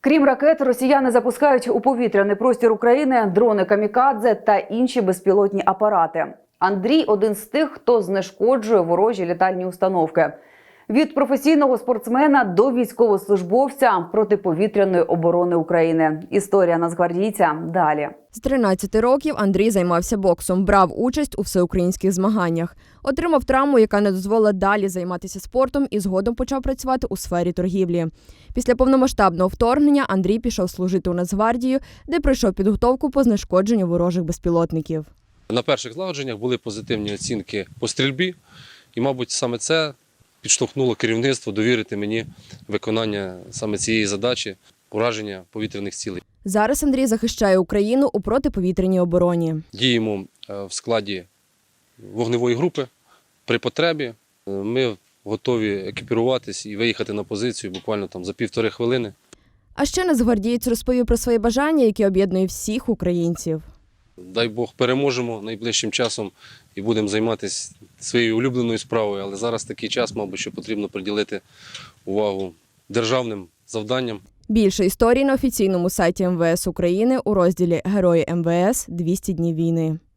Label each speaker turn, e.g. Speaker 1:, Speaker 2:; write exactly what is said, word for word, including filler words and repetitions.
Speaker 1: Крім ракет, росіяни запускають у повітряний простір України дрони камікадзе та інші безпілотні апарати. Андрій – один з тих, хто знешкоджує ворожі літальні установки. Від професійного спортсмена до військовослужбовця протиповітряної оборони України. Історія нацгвардійця далі.
Speaker 2: З тринадцяти років Андрій займався боксом, брав участь у всеукраїнських змаганнях. Отримав травму, яка не дозволила далі займатися спортом і згодом почав працювати у сфері торгівлі. Після повномасштабного вторгнення Андрій пішов служити у Нацгвардію, де пройшов підготовку по знешкодженню ворожих безпілотників.
Speaker 3: На перших злагодженнях були позитивні оцінки по стрільбі, і, мабуть, саме це підштовхнуло керівництво довірити мені виконання саме цієї задачі – ураження повітряних цілей.
Speaker 2: Зараз Андрій захищає Україну у протиповітряній обороні.
Speaker 3: Діємо в складі вогневої групи. При потребі ми готові екіпіруватись і виїхати на позицію буквально там за півтори хвилини.
Speaker 2: А ще нацгвардієць розповів про свої бажання, які об'єднують всіх українців.
Speaker 3: Дай Бог переможемо найближчим часом і будемо займатися своєю улюбленою справою. Але зараз такий час, мабуть, що потрібно приділити увагу державним завданням.
Speaker 2: Більше історій на офіційному сайті ем ве ес України у розділі «Герої ем ве ес. двісті днів війни».